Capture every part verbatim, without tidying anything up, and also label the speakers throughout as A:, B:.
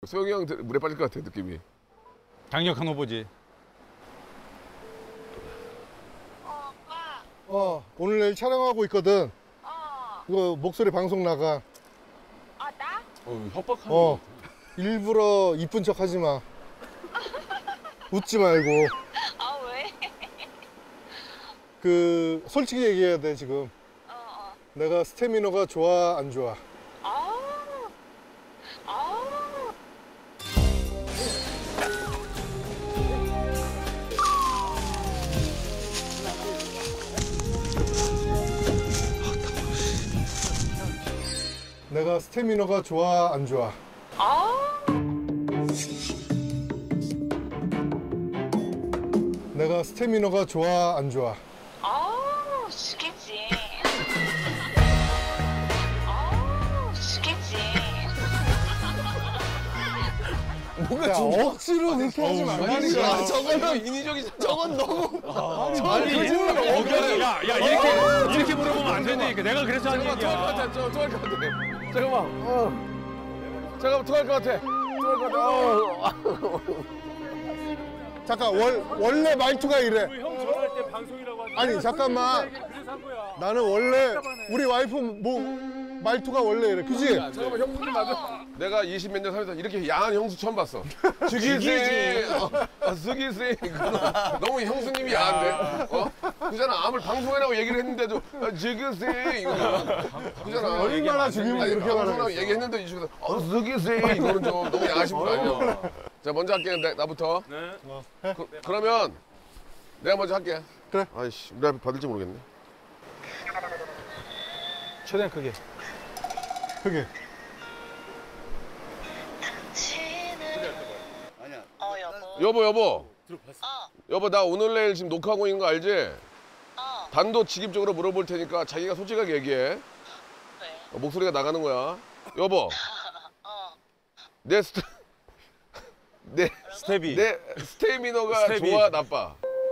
A: 소영이 형 물에 빠질 것 같아 느낌이.
B: 강력한 후보지.
C: 어, 오빠.
D: 어, 오늘 내일 촬영하고 있거든.
C: 어.
D: 이거 목소리 방송 나가.
C: 아, 나?
B: 어, 협박하는
D: 어, 일부러 이쁜 척 하지 마. 웃지 말고.
C: 아, 왜?
D: 그 솔직히 얘기해야 돼 지금.
C: 어, 어.
D: 내가 스태미너가 좋아 안 좋아?
C: 아. 아.
D: 내가 스태미너가 좋아 안 좋아?
C: 아.
D: 내가 스태미너가 좋아 안 좋아?
C: 아, 죽겠지. 아, 죽겠지.
A: 뭔가
D: 야, 억지로 그렇게 하지 말라니까.
A: 저거는 인위적이지. 저건 너무.
B: 아니, 어겨서 야, 야 이렇게 이렇게 물어보면 안 된다니까. 내가 그래서 한
A: 잠깐만 토할 것
B: 얘기야.
A: 같아. 저 토할 것 같아. 잠깐만. 어. 잠깐만 토할 것 같아. 토할 것 같아. 어.
D: 잠깐 월, 원래 말투가 이래.
B: 형 전화할 때 방송이라고 하지.
D: 아니 잠깐만.
B: 그래서 한 거야.
D: 나는 원래 우리 와이프 뭐 말투가 원래 이래. 그지?
A: 잠깐만 형수님 맞아. 내가 이십 몇 년 살면서 이렇게 야한 형수 처음 봤어. 죽이지. 어, 죽이지. 너무 형수님이 야한데. 어? 그잖아. 아무리 방송이라고 얘기를 했는데도 아, 죽이지. 이거잖아. 그잖아.
D: 얼마나 죽이면
A: 아니,
D: 그렇게
A: 방송이라고
D: 말하겠어.
A: 얘기했는데 이 중에서 어, 죽이지. 이거는 좀 너무 야하신 분 아니야. 자 먼저 할게. 나, 나부터.
B: 네.
A: 그, 그러면 내가 먼저 할게.
D: 그래.
A: 아이씨 우리 앞에 받을지 모르겠네.
B: 최대한 크게.
D: 그게.
C: 어, 여보.
A: 여보 여보.
C: 어,
A: 여보 나 오늘 내일 지금 녹화하고 있는 거 알지?
C: 어.
A: 단도직입적으로 물어볼 테니까 자기가 솔직하게 얘기해.
C: 왜?
A: 어, 목소리가 나가는 거야. 여보
C: 어.
A: 내 스타 내,
B: 스텝이.
A: 내 스테미너가
B: 스텝이.
A: 좋아 나빠?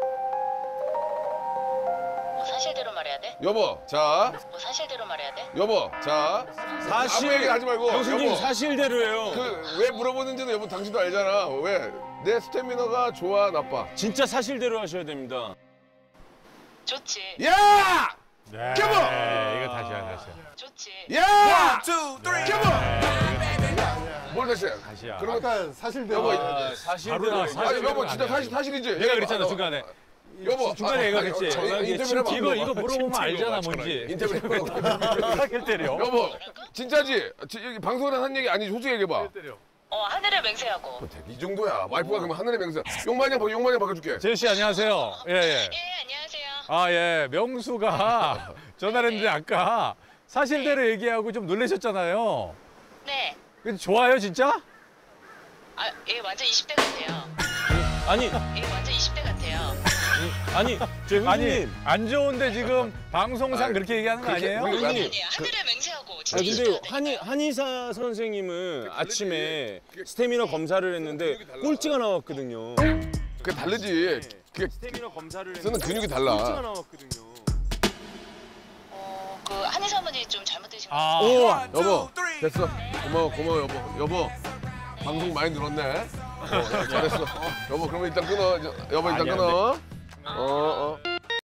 C: 뭐 사실대로 말해야 돼?
A: 여보 자
C: 뭐 사실대로 말해야 돼?
A: 여보 자
B: 사실
A: 아무 얘기 하지 말고
B: 형수님
A: 여보
B: 사실대로예요.
A: 그 왜 물어보는지는 여보 당신도 알잖아. 왜 내 스테미너가 좋아 나빠?
B: 진짜 사실대로 하셔야 됩니다.
C: 좋지.
A: 야!
B: 네.
A: 켜봐!
B: 이거 다시 하 다시.
C: 좋지.
A: 야! 켜봐! 뭘 다시 해?
B: 다시야.
A: 그러면
D: 아까 사실대로.
A: 여보,
B: 아, 사실대로.
A: 아니 여보 진짜 사실 사실이지.
B: 내가
A: 얘기해봐.
B: 그랬잖아 중간에.
A: 여보
B: 중간에 얘가 그랬지.
A: 인터뷰를 해봐.
B: 이거 이거 물어보면 알잖아 뭔지.
A: 인터뷰 해봐.
B: 사실 때려.
A: 여보 진짜지? 지- 여기 방송이라 한 얘기 아니지? 솔직히 얘기해봐.
C: 어, 하늘을 맹세하고.
A: 이 정도야. 와이프가 그러면 하늘의 맹세. 용마냥 바 용마냥 바꿔줄게.
B: 재우 씨 안녕하세요. 예 예.
C: 예, 안녕하세요.
B: 아 예. 명수가 전화를 했는데 아까 사실대로 얘기하고 좀 놀라셨잖아요.
C: 네.
B: 근데 좋아요 진짜?
C: 아, 얘 완전 이십 대 같아요.
B: 아니
C: 얘 완전 이십 대 같아요.
B: 아니 저 아니 안 좋은데 지금 방송상
A: 아니,
B: 그렇게 얘기하는 거
A: 그렇게-
B: 아니에요?
A: 그렇게-
C: 아니, 아니에요. 하늘을 맹세하고.
E: 아
C: 진짜 이십
E: 근데
C: 대
E: 한의
C: 같아요.
E: 한의사 선생님은
A: 다르지.
E: 아침에
A: 그게-
E: 스태미너 검사를 했는데
A: 근육이 달라.
E: 꼴찌가 나왔거든요.
A: 그게 다르지. 그게
E: 스태미너 검사를
A: 쓰는
E: 했는데
A: 근육이
E: 꼴찌가
A: 달라.
E: 나왔거든요.
C: 어, 그 한의사분이 좀 잘못되신 것
B: 아.
C: 같아요.
A: 여보 됐어. 고마워 고마워 여보. 여보 방송 많이 늘었네. 어, 잘했어. 여보 그러면 일단 끊어. 여보 일단
B: 아니야,
A: 끊어. 어 어.